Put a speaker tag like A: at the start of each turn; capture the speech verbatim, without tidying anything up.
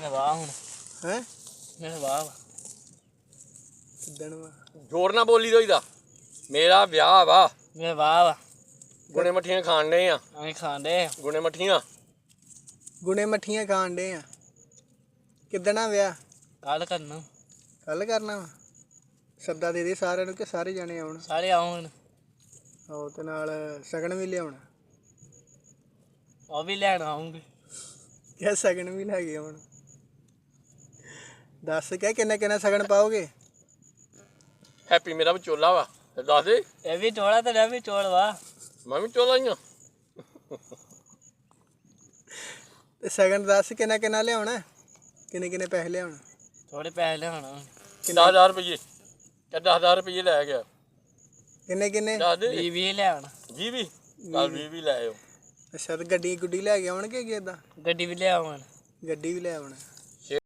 A: ਵਾਹ ਹੁਣ
B: ਹੈ
A: ਮੈਂ ਵਾਹ
B: ਕਿੱਦਣ ਵਾ
C: ਜ਼ੋਰ ਨਾ ਬੋਲੀ ਦੋਈਦਾ ਮੇਰਾ ਵਿਆਹ ਵਾ
A: ਮੈਂ ਵਾਹ ਵਾ
C: ਗੁਣੇ ਮੱਠੀਆਂ ਖਾਣ ਡਏ ਆ
A: ਅਸੀਂ ਖਾਂਦੇ
C: ਗੁਣੇ ਮੱਠੀਆਂ
B: ਗੁਣੇ ਮੱਠੀਆਂ ਖਾਣ ਡੇ ਆ ਕਿੱਦਣ ਆ ਵਿਆਹ
A: ਕੱਲ ਕਰਨਾ
B: ਕੱਲ ਕਰਨਾ ਵਾ ਸੱਦਾ ਦੇ ਦੇ ਸਾਰਿਆਂ ਨੂੰ ਕਿ ਸਾਰੇ ਜਾਣੇ ਆਉਣ
A: ਸਾਰੇ ਆਉਣ
B: ਆਹੋ ਤੇ ਨਾਲ ਸ਼ਗਨ ਵੀ ਲਿਆਉਣਾ
A: ਉਹ ਵੀ ਲੈਣ ਆਉਂਗੇ
B: ਕਿਆ ਸ਼ਗਨ ਵੀ ਲੈ ਕੇ ਆਉਣ ਦੱਸ ਕਿਆ ਕਿੰਨਾ ਕਿੰਨਾ ਸ਼ਗਨ ਪਾਓਗੇ
C: ਹੈਪੀ ਮੇਰਾ ਵਿਚੋਲਾ ਵਾ ਤੇ ਦੱਸ ਦੇ
A: ਇਹ ਵੀ ਚੋਲਾ ਤੇ ਇਹ ਵੀ ਚੋਲ ਵਾ
C: ਮੈਂ ਵੀ ਚੋਲਾ ਹੀ ਆ
B: ਤੇ ਸ਼ਗਨ ਦੱਸ ਕਿੰਨਾ ਕਿੰਨਾ ਲਿਆਉਣਾ ਕਿੰਨੇ ਕਿੰਨੇ ਪੈਸੇ ਲਿਆਉਣਾ
A: ਥੋੜੇ ਪੈਸੇ ਲਿਆਉਣਾ
C: ਦਸ ਹਜ਼ਾਰ ਰੁਪਏ ਤੇ ਦਸ ਹਜ਼ਾਰ ਰੁਪਏ ਲੈ ਗਿਆ
B: ਕਿੰਨੇ ਕਿੰਨੇ
C: ਦੱਸ ਦੇ
A: ਵੀਹ ਵੀਹ ਲਿਆਉਣਾ
C: ਵੀਹ ਵੀ ਚੱਲ ਵੀਹ ਵੀ ਲੈ ਆਇਓ
B: ਅੱਛਾ ਤੇ ਗੱਡੀ ਗੁੱਡੀ ਲੈ ਕੇ ਆਉਣਗੇ ਕਿ ਏਦਾਂ
A: ਗੱਡੀ ਵੀ ਲਿਆਉਣ
B: ਗੱਡੀ ਵੀ ਲੈ ਆਉਣਾ